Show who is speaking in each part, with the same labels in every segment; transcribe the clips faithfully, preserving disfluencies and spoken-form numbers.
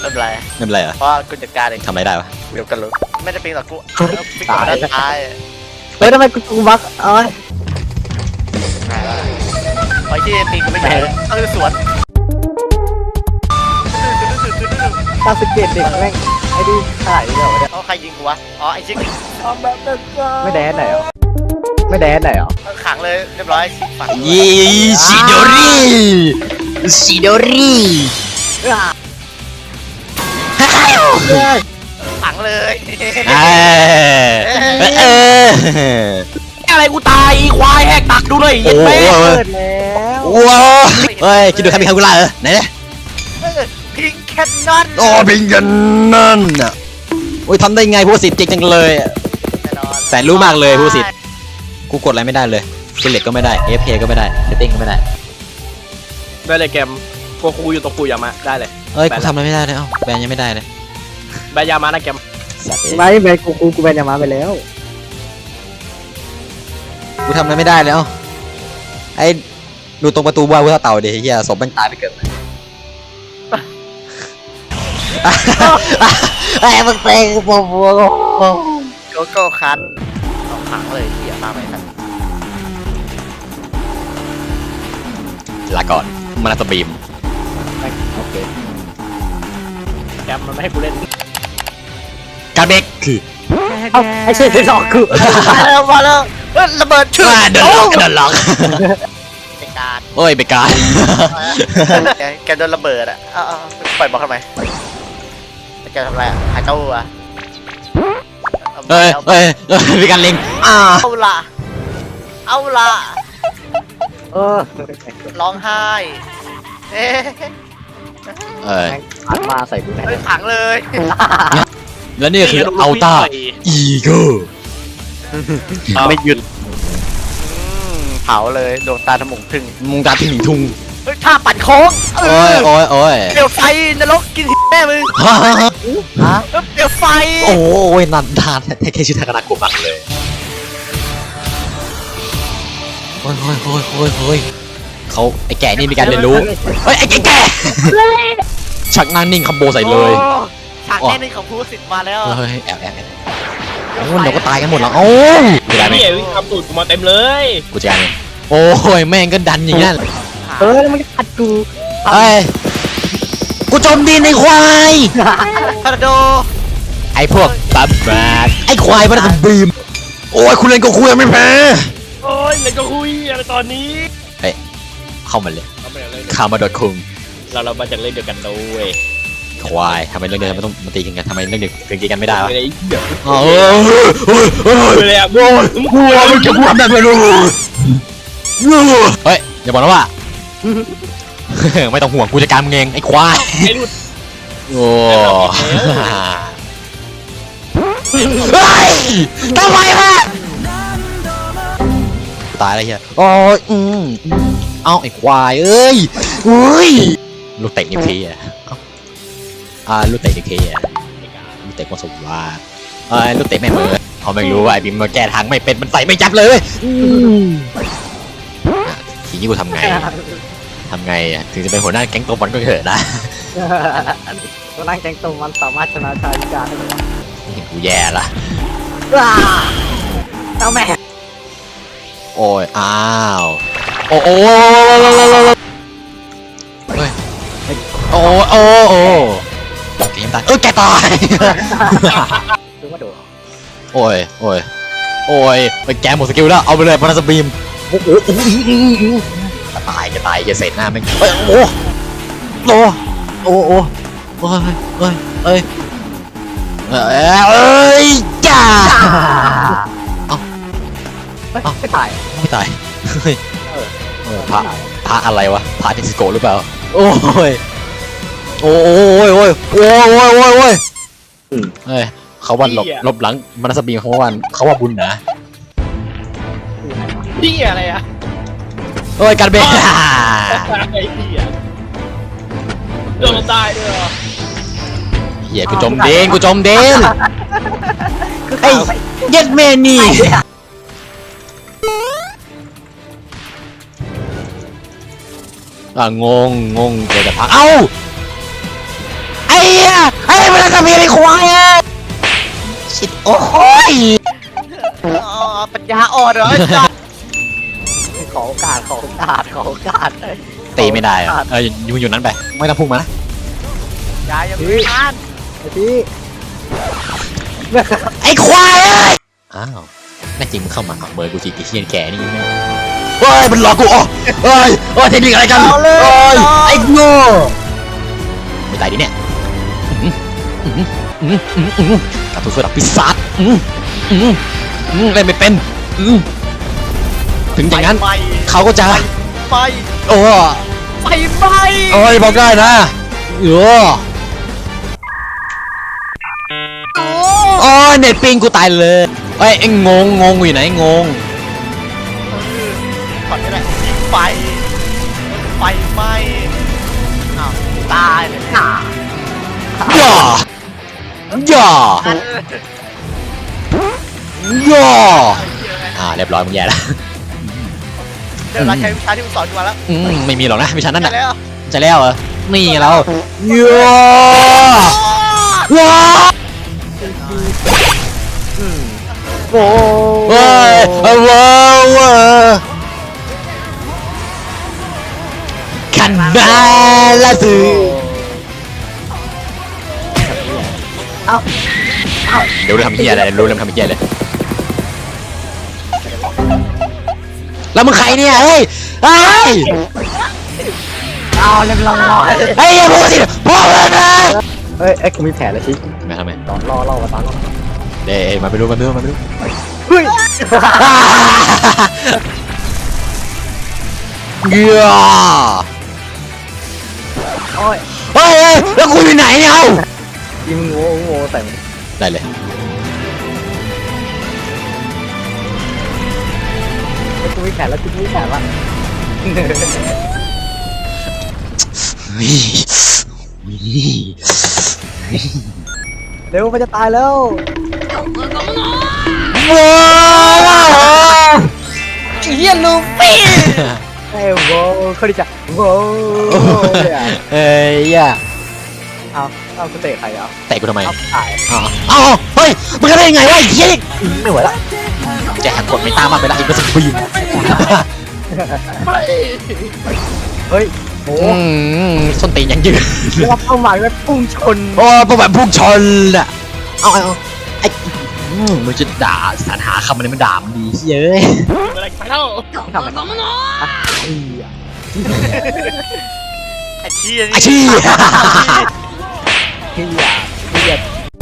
Speaker 1: ไม่เป็นไร
Speaker 2: ไม่เป็นไรเหรอ
Speaker 1: เพราะกูจัดการเอง
Speaker 2: ทำอะไรได้วะ
Speaker 1: เดี๋ยวกันรู้ไม่ได้ปิงหรอกกูปิงก่อนด้านท้าย
Speaker 3: เฮ้ยทำไมกูกูบักเอ้ย
Speaker 1: ไอ้ที่ปิงกูไม่ใช่เออสวน
Speaker 3: ตาสเก็ตเด็กแม่งไอ้ดิขายเดี๋ยวเนี่ย
Speaker 1: เอาใครยิงกูวะอ๋อไอ้ชิค
Speaker 3: ไม่แดนไหนหรอไม่แดนไหนหรอ
Speaker 1: ขังเลยเรียบร้อยฝัง
Speaker 2: ยี่ชิโดริชิโดริ
Speaker 1: ขังเลย
Speaker 2: เออเออ
Speaker 4: อะไรกูตายควายแหกตักดูเลย
Speaker 2: โอ้โห
Speaker 3: เปิดแล้ว
Speaker 2: ว้าวเฮ้ยคิดดูใครมีใครกูล่าเออไหนเนี่ย
Speaker 1: พิงแคนนอน
Speaker 2: โอ้พิงกันนั่นอ่ะโอ้ยทำได้ไงผู้สิทธิ์เจ๋งจังเลยแสนรู้มากเลยผู้สิทธิ์กูกดอะไรไม่ได้เลยเซเล็กก็ไม่ได้ เอฟ เค ก็ไม่ได้เซตติ้งก็ไม่ได้
Speaker 4: ได้เลยเกมกูคูอยู่ตรงกูยามาได้เลย
Speaker 2: เอ้ยกูทำอะไรไม่ได้เลยเอ้าแบนยังไม่ได้เลย
Speaker 4: แบยามานะเกม
Speaker 2: สัตว์เอ้ย
Speaker 3: ไม่แบนกูกูกูแบนยามาไปแล้ว
Speaker 2: กูทำอะไรไม่ได้แล้วไอ้ดูตรงประตูบ้านกูเต่าเดี๋ยวเฮียศพมันตายไปเกิดไอ้มึงเตะกูปวดหัว
Speaker 1: โกโก้คันเอาขังเลยเหี้ยมาไหมครับ
Speaker 2: ลาก่อนมานาตบีม
Speaker 3: โอเค
Speaker 4: แกมมันไม่ให้กูเล่น
Speaker 2: การเบรกคือ
Speaker 3: เอ้าไอ้เชี่ยที่สองคือ
Speaker 1: มาแล้วมาแล้วเฮ้ยระเบิดชื่อ
Speaker 2: ว่าเดินล็อกเดินล็อก
Speaker 1: เป็นการ
Speaker 2: โอ้ยไปการ
Speaker 1: แกโดนระเบิดอ่ะเอาเอาปล่อยบอกทำไมแกทำอะไรอ่ะหายเจ้าอ่ะ
Speaker 2: เฮ้ยเฮ้ยเฮ้ยมีการเล็งอ่า
Speaker 1: เอาละเอาละ
Speaker 3: เออ
Speaker 1: ร้องไห้เอ๊ะ
Speaker 2: เอ้ย
Speaker 3: อัดมาใส่กูแทน
Speaker 1: เฮ้ยขังเลย
Speaker 2: แล้วนี่คืออัลต้าอีโก้
Speaker 4: ไม่หยุด
Speaker 1: อืมเผาเลยดวงตาทะมุงถึง
Speaker 2: มุงตาที่หมิงทุง
Speaker 1: เฮ้ยท่าปั่นโค้งเอ
Speaker 2: โอ้ย
Speaker 1: อ
Speaker 2: โอ้ยโอ้ย
Speaker 1: เปลวไฟนรกกินแม่มึง
Speaker 2: ฮ่าฮ่าฮ่า
Speaker 3: ฮะ
Speaker 1: เออเปลวไฟ
Speaker 2: โอ้ยนันทานแค่ชื่อทากานาโกะมักเลยโอ้ยโอ้ยโอ้ยโอ้ยโอ้ยเขาไอ้แก่นี่มีการเรียนรู้เฮ้ยไอ้แก่แก่ชักนั่งนิ่งคัมโบใส่เลย
Speaker 1: โอ้ฉากแน่นึงของผู้สิทธิ์มาแล้ว
Speaker 2: เฮ้ยแอบแอบแอบโอ้ยเดี๋ยวก็ตายกันหมดแล้วโอ้ยกูได้ไหม
Speaker 4: เหี้ยวิ่งทำตูดกูมาเต็มเลย
Speaker 2: กูจะการเองโอ้ยแม่งก็ดันอย่างนั้น
Speaker 3: เออแล้วมันอัดกู
Speaker 2: เอ้ยกูจมดินในควาย
Speaker 1: พาราโด
Speaker 2: ไอ้พวกบับบัดไอ้ควายมันจะบีมโอ้ยคุณเล่นก็คุยไม่แพ้
Speaker 4: โอ้ยเลยก็คุยอะไรตอนนี้
Speaker 2: เข้ามาเลย
Speaker 4: เราไม่ได้เล่น
Speaker 2: ข้ามาดอทคุง
Speaker 4: เราเรามาจากเล่นเดียวกันด้วย
Speaker 2: ควายทำไมเรื่องเดิมมันต้องมาตีกันทำไมเรื่องเด็กถึงตีกันไม่ได้วะ
Speaker 4: ไม่ได้เดี๋ยว
Speaker 2: เออเฮ้ยเฮ้ย
Speaker 4: เลยอ่ะโว้ย
Speaker 2: กลัวมันจะพูดแบบไม่รู้เฮ้ยอย่าบอกนะว่า ไม่ต้องห่วงกูจะการมึงเองไอ้ควาย
Speaker 4: ไอ้รุ่น
Speaker 2: โอ้เฮ้ยทำไมวะตายแล้วเฮียโอ้ยอืมเอาไอ้ควายเอ้ยเฮ้ยลูกเตะนิวเคลียร์อ่าลูกเตะนิวเคลียร์ลูกเตะคนสมว่าเอ้ยลูกเตะแม่เมือเขาไม่รู้ว่าไอ้บิมมาแก้ทางไม่เป็นมันใส่ไม่จับเลยอ่ะทีนี้กูทำไงทำไงอ่ะถึงจะเป็นหัวหน้าแก๊งตัวบอลก็เถอะนะ
Speaker 3: ตัวนั่งแกงตรงมันสามารถชนะชายพิการได้ไหม
Speaker 2: นี่กูแย่ละ
Speaker 3: ว้าเอาแม่
Speaker 2: โอ้ยอ้าวโอ้โอ้เฮ้ยโอ้โอ้โอ้แกยังตายเออแกตาย
Speaker 3: ดูว่าโดด
Speaker 2: โอ้ยโอ้ยโอ้ยไปแกหมดสกิลแล้วเอาไปเลยพนัสบีมโอ้โหโอ้โหจะตายจะตายอย่าเสร็จหน้าแม่งเฮ้ยโอ้โอ้โอ้โอ้โอ้ยเฮ้ยเฮ้ยเอ้ยจ้า
Speaker 3: ไม่ถ่าย
Speaker 2: ไม่ตายเฮ้ยเออพระพระอะไรวะพระเท็กซิโกหรือเปล่าโอ้ยโอ้ยโอ้ยโอ้ยโอ้ยโอ้ยโอ้ยเฮ้ยเขาวันหลบหลบหลังมนัสบีมเขาวันเขาว่าบุญนะ
Speaker 4: พี่อะไรอ่ะ
Speaker 2: โอ้ยการเบรก
Speaker 4: ไอ้เหี้ยโดนตายด้วยเหรอ
Speaker 2: เหี้ยกูจมเดนกูจมเดนไอ้เย็ดเมนี่อ่ะงงงงเจอแต่พักเอ้าไอ้เหี้ยไอ้มันจะมีไอ้ควายอ่ะชิดโอ้ย
Speaker 1: อ๋อปัญญาอ่อนเหรอไอ้สัส
Speaker 3: ขอโอกาสขอโอกาสขอโอกาส
Speaker 2: ตีไม่ได้อะเอออยู่อยู่นั้นไปไม่ต้องพุ่งมานะ
Speaker 1: ยายยังไม่ทาน
Speaker 3: ไอ้พี่
Speaker 2: ไอ้ควายเอ้ยอ้าวแน่จริงมึงเข้ามาเอาเบอร์กูจีกี่เฮียนแก่นี่แม่เฮ้ยมันหลอกกูอ๋อเฮ้ยเฮ้ยเทคนิคอะไรกันเฮ้ยไอ้โง่ไม่ตายดิเนี่ยกลับไปเพื่อดับปีศาจเล่นไม่เป็นถึงอย่างนั้น
Speaker 1: ไฟ
Speaker 2: เขาก็จะ
Speaker 1: ไฟ
Speaker 2: โอ้
Speaker 1: ไฟไหม้
Speaker 2: โอ้ยบอกได้นะเออโอ้ยเน็ตปิงกูตายเลยเอ้ยไอ้งงงงอยู่ไหนงง
Speaker 1: ก่อนก็ได้ยิงไฟไฟไหม้อ้าวตายเลยอ่ะ
Speaker 2: ย่าย่าย่าอ่าเรียบร้อยมึงแย่แล้ว
Speaker 1: เดี๋ยวเราใช้วิชาที่มึงสอนกูมาแล้ว
Speaker 2: อืมไม่มีหรอกนะวิชานั้น
Speaker 1: ใช่
Speaker 2: น่ะ
Speaker 1: แล้ว
Speaker 2: จะแล้วเหรอนี่ไงเราย่าว้า
Speaker 3: โอ้
Speaker 2: เฮ้ยว้าวว้าคันนาลาสือ
Speaker 3: เอ้า
Speaker 2: เดี๋ยวรู้ทำเฮียอะไรรู้เรื่องทำเฮียเลยแล้วมึงใครเนี่ยเฮ้ยเฮ้ย
Speaker 3: เอาเรียบร้อย
Speaker 2: เฮ้ยอย่าพูดสิพูดเลยนะ
Speaker 3: เฮ้ยไอ้กูมีแผลแล้วชิ
Speaker 2: มาทำไม
Speaker 3: ตอนรอเล่ามาตอนรอ
Speaker 2: เด้มาไปดูมาไปดูมาไปดู
Speaker 3: เฮ้ย
Speaker 2: เหี้ย
Speaker 3: โอ้ย
Speaker 2: เฮ้ยเฮ้ยแล้วกูอยู่ไหนเนี่ยเอา
Speaker 3: ยิงโง่โง่ใส่มัน
Speaker 2: ได้เลย
Speaker 3: ไอ้กูมีแผลแล้วกูมีแผลละ
Speaker 2: เฮ้ย
Speaker 3: เร็วมันจะตายแล้ว
Speaker 2: ว้าว
Speaker 1: เฮียลูฟี่
Speaker 3: ไอ้โว้เขาดิจ้ะโว้
Speaker 2: เฮ้ยอย่า
Speaker 3: เอาเอากูเตะใครเอา
Speaker 2: เตะกูทำไม
Speaker 3: เอาตาย
Speaker 2: อ๋ออ้าวเฮ้ยมึงทำได้ยังไงวะไอ้เหี้ย
Speaker 3: ไม่ไหวละ
Speaker 2: แจกกดไม่ตามมาไปละอีกก็สบีม
Speaker 3: เฮ้ยโอ้
Speaker 2: อืมส้นตีนยังยืน
Speaker 3: ว่าเป้าหมายว่าพุ่งชน
Speaker 2: โอ้ประวัติพุ่งชนอ่ะเอาเอาเอาไอ้อืมมึงจะด่าสรรหาคำมันมันด่ามันดีเย้ย
Speaker 4: อะไรไปแล้ว
Speaker 3: ทำมันอีอ่ะ
Speaker 1: ไอ้เชี่ย
Speaker 2: อาชีพ
Speaker 3: เฮียเฮีย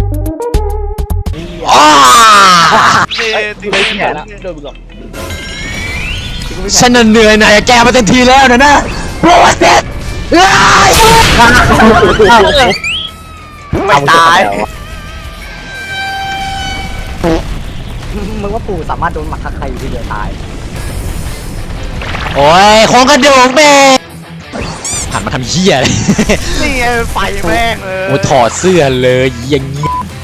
Speaker 2: อ้า
Speaker 1: นี่
Speaker 3: ไม่แผลละ
Speaker 4: โดนมึงหรอก
Speaker 2: ฉันน่ะเหนื่อยหน่อยแกมาเต็มทีแล้วนะนะโปรเซส
Speaker 1: ไม่ตาย
Speaker 3: มึงว่าปู่สามารถโดนหมัดทักใครอยู่ทีเดียวตาย
Speaker 2: โอ้ยโครงกระดูกแม่หันมาทำเหี้ยเลย
Speaker 1: นี่ไงไฟแม่งเลย
Speaker 2: โอ้ถอดเสื้อเลยอย่างงี้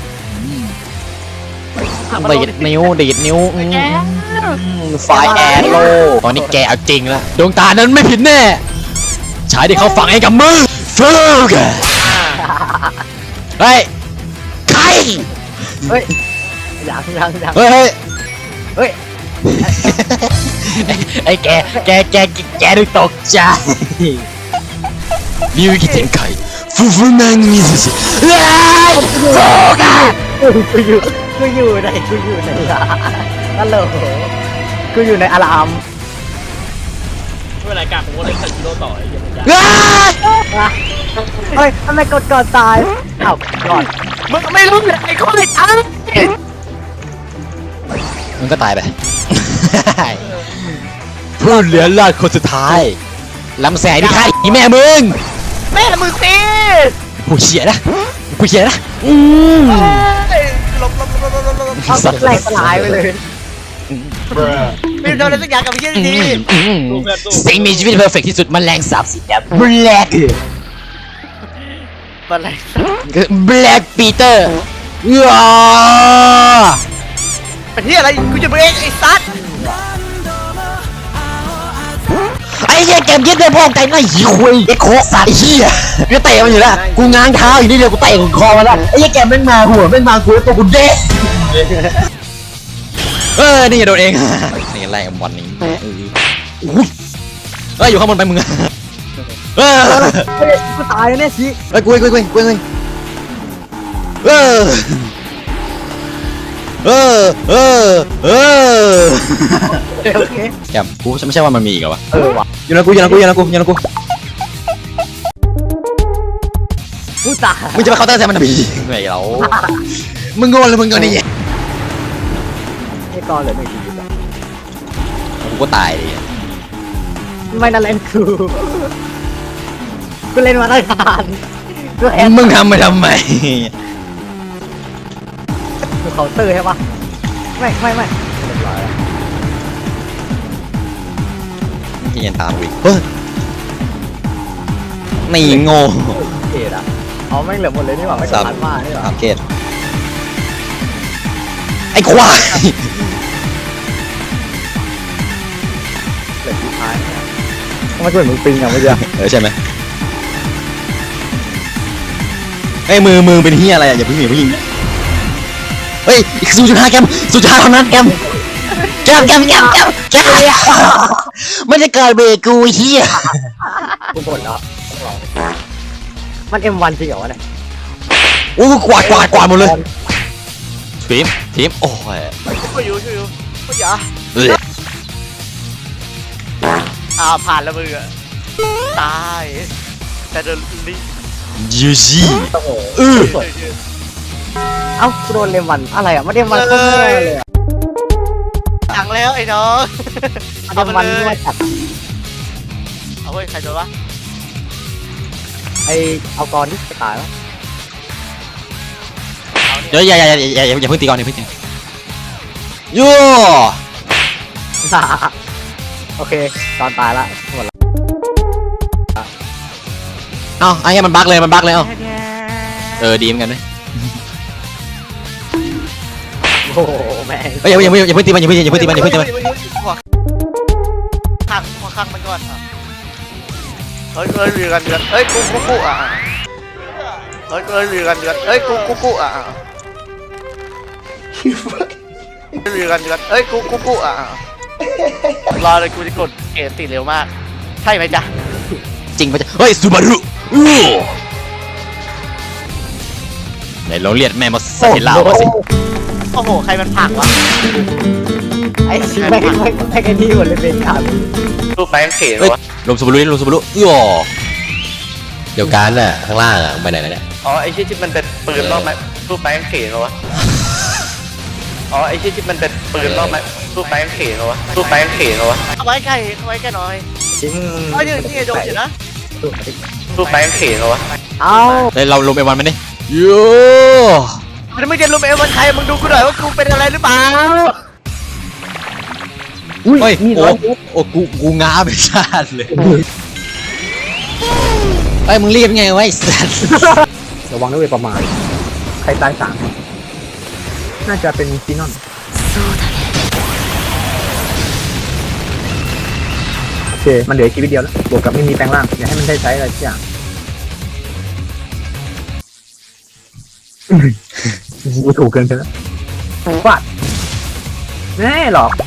Speaker 2: ดีดนิ้วดีดนิ้วอืมไฟแอโร่ตอนนี้แกเอาจริงแล้วดวงตานั้นไม่ผิดแน่ชายที่เขาฝังให้กับมือฟูกเฮ้ยใคร
Speaker 3: เฮ้ยยังยังยัง
Speaker 2: เฮ้ยเฮ้ย
Speaker 3: เฮ้ย
Speaker 2: ไอ้แกแกแกแกดูตกใจมิวกิเทนไคฟูฟูนังมิซุชิเฮ้ยฟูกะ
Speaker 3: กูอยู่กูอยู่ในกูอยู่ในฮัลโหลกูอยู่ในอาราม
Speaker 4: ไม่เป็นไรการผมก็เล่นคาจิโร่ต่อไอ้เหี้ยมันยาก
Speaker 3: เฮ้ยทำไมกดก่อนตายอ้าวก่อน
Speaker 1: มึงไม่รู้เลยไอ้คนไอ้ตัง
Speaker 2: มันก็ตายไปผู้เหลือรอดคนสุดท้ายลำแสงที่ฆ่าอีแม่มึง
Speaker 1: แม่มึงสิ
Speaker 2: ผู้เชี่ยนะผู้เชี่ยนะอืม
Speaker 1: เฮ้ยหลบหลบหลบหลบหลบหลบ
Speaker 3: เอาแหลกสลายไปเลย
Speaker 1: ไม่โดนอะไรสักอย่างกับไอ้เชี่ย
Speaker 2: อื
Speaker 1: ดี
Speaker 2: มอืม
Speaker 4: สู้เพื่อนสู้
Speaker 2: สิ่งมีชีวิตเพอร์เฟกที่สุดมันแรงสาบสีแดงแบล็ก
Speaker 1: มันอะไร
Speaker 2: แบล็กปีเตอร์ว้า
Speaker 1: เป็นที่อะไรกูจะเบรกไอ้ซัด
Speaker 2: ไอ้เหี้ยเกมยึดเลยพ่อใจน่าหิวคุยไอ้โคกสัตว์ไอ้เหี้ยกูเตะมันอยู่แล้วกูง้างเท้าอยู่นี่เดียวกูเตะกูคอมันแล้วไอ้เหี้ยแกมแม่งมาหัวแม่งมากูตัวกูเด้เออนี่โดนเองนี่ไล่บอลนี้เฮ้ยอยู่ข้างบนไปมึงเออ
Speaker 3: เฮ้ยกูตายแล้วเนี่ยสิ
Speaker 2: เฮ้ยกูเองกูเองกูเองเออเออเออเออ
Speaker 3: โอเค
Speaker 2: แกมกูไม่ใช่ว่ามันมีอีกเหรอวะ
Speaker 3: เออว่ะ
Speaker 2: อยู่นะกูอยู่นะกูอยู่นะกูอยู่นะกู
Speaker 3: กูตาย
Speaker 2: มึงจะมาเคาน์เตอร์แซมมันทำไมไม่เรามึงโง่เลยมึงโง่นี่
Speaker 3: ไอ้กอนเหลือหนึ่งชีวิตอะ
Speaker 2: กูก็ตายดิ
Speaker 3: ไม่นั่นเล่นกูกูเล่นมาตั้งนานกูแอบ
Speaker 2: มึงทำไปทำไม
Speaker 3: กูเคาน์เตอร์ใช่ปะไม่ไม่ไม่เรียบร้อยแล้ว
Speaker 2: ที่ยันตามกูอีกเฮ้ยนี่โง่
Speaker 3: เกตอ่ะเอาแม่งเหลือหมดเลยนี่หว่าไม่ต้องผ่านมานี่หว่า
Speaker 2: สามเกตไอ้ควาย
Speaker 3: เหลือสุดท้ายทำไมกูเห็นมึงปิงอ่ะเมื่อกี้
Speaker 2: เออใช่ไหมไอ้มือมือเป็นเฮียอะไรอ่ะอย่าเพิ่งอย่าเพิ่งยิงเฮ้ยอีกศูนย์จุดห้าแกมศูนย์จุดห้าเท่านั้นแกมแกมแกมแกมแกมแกมไม่ได้เกิดเบรกกูเฮีย
Speaker 3: กูบ่นแล้วมัน เอ็ม วัน จริงเหรอวะเนี่ย
Speaker 2: โอ้กวาดกวาดกวาดหมดเลยทีมทีมโอ้ย
Speaker 1: ช่วยอยู่ช่วยอยู่ช่วยอย่า
Speaker 2: เอ้ย
Speaker 1: อ้าวผ่านแล้วมึงอะตายแต่เดินนี่
Speaker 2: ยูจี
Speaker 3: โอ้โห
Speaker 2: เออ
Speaker 3: เอ้ากูโดนเลมวันอะไรอ่ะไม่เอ็มวันโคตรแย่เลยอ่ะ
Speaker 1: ถังแล้วไอ้น้อง
Speaker 3: เอ็มวันไม่จัด
Speaker 1: เอาเว้ยใครโดนวะ
Speaker 3: ไอเอากรที่จะตายวะ
Speaker 2: เดี๋ยวอย่าอย่าอย่าอย่าอย่าเพิ่งตีก่อนอย่าเพิ่งตีโย่
Speaker 3: โอเคตอนตายละหมดละ
Speaker 2: เอ้าไอ้เหี้ยมันบั๊กเลยมันบั๊กเลยเอ้าเออดีเหมือนกันเลย
Speaker 3: โอ้โหแม่ง
Speaker 2: เฮ้ยอย่าอย่าอย่าอย่าเพิ่งตีมันอย่าเพิ่งอย่าเพิ่งตีมันอย่าเพิ่งตีมัน
Speaker 1: หัวข้างหัวข้างมันก่อนอ่ะเฮ้ยเฮ้ยเรือกันเดือดเฮ้ยกูกูกูอ่ะเฮ้ยเฮ้ยเรือกันเดือดเฮ้ยกูกูกูอ่ะเรือกันเดือดเฮ้ยกูกูกูอ่ะรอเลยกูจะกดเอติเร็วมากใช่ไหมจ๊ะ
Speaker 2: จริงปะจ๊ะเฮ้ยซูบารุอู้ไหนลองเรียกแม่มาใส่เหล้ามาสิ
Speaker 1: โอ้โหใครมันผักวะ
Speaker 3: ไอ้ชิแม่งแม่งแม่งไอ้นี่หมดเลยเป็นการ
Speaker 1: รูปแป้งเขียน
Speaker 2: เฮ้ยว
Speaker 1: ะ
Speaker 2: ลมซูบารุนี่ลมซูบารุย่อเดี๋ยวการน่ะข้างล่างอ่ะไปไหนแล้วเนี่ย
Speaker 1: อ๋อไอ้ชื่อที่มันเป็นปืนรอบไหมรูปแป้งเขียนวะอ๋อไอ้ชื่อที่มันเป็นปืนรอบไหมรูปแป้งเขียนวะรูปแป้งเขียนวะเอาไว้ใกล้เอาไว้ใกล้หน่อย
Speaker 3: จริง
Speaker 1: เอาอยู่นี่โดนอยู่นะรูปแป้งเขียนวะ
Speaker 3: เอา
Speaker 2: เฮ้ยเราลงไปวันมันดิโย่
Speaker 1: มันไม่ได้รูปเอวันใครมึงดูกูหน่อยว่ากูเป็นอะไรหรือเปล่า
Speaker 3: อุ้ย
Speaker 2: เฮ้ย
Speaker 3: มี
Speaker 2: โอ้
Speaker 3: ร้อยเมตร
Speaker 2: โอ้กูกูง้าไปชาติเลยเฮ้ยมึงรีบไงวะไอ้สัส
Speaker 3: ระวังด้วยประมาณใครตายสามน่าจะเป็นซีนอนโอเคมันเหลือชีวิตเดียวแล้วบวกกับไม่มีแปลงร่างอย่าให้มันได้ใช้อะไรสักอย่างกูถูกเกินไปแล้วฟาดแน่หรอก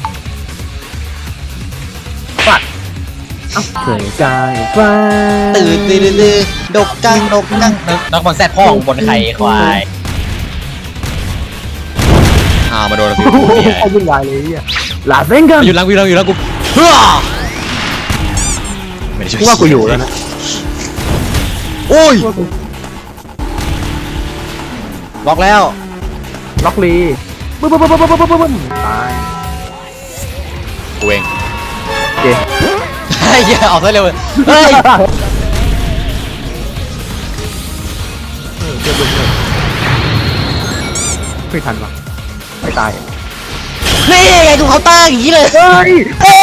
Speaker 3: ฟาดเอ้าเคยกายฟ้า
Speaker 2: ตื่นตื่นตื่นดกกังดกกังนักบอลแซดพ่องบนไข่ควายอ้าวมาโดนกู
Speaker 3: โอ้โหเขาวุ่นวายเลยอ่ะลาเซนกัน
Speaker 2: อยู่หลังกูอยู่หลังอยู่หลังกูเฮ้อไม่ได้ช่วย
Speaker 3: กูว่ากูอยู่แล้วนะ
Speaker 2: โอ้ยล็อกแล้ว
Speaker 3: ล็อกลีบึ้มบึ้มบึ้มบึ้มบึ้มบึ้มบึ้มตาย
Speaker 2: กูเอง
Speaker 3: โอเค
Speaker 2: เฮ้ยออกซะเร็วเลยเฮ้ย
Speaker 3: เจอบึ้มเลยไม่ทันวะไม่ตาย
Speaker 2: นี่ไงกูเขาน์เตอร์อย่างนี้เลย
Speaker 3: เฮ้ย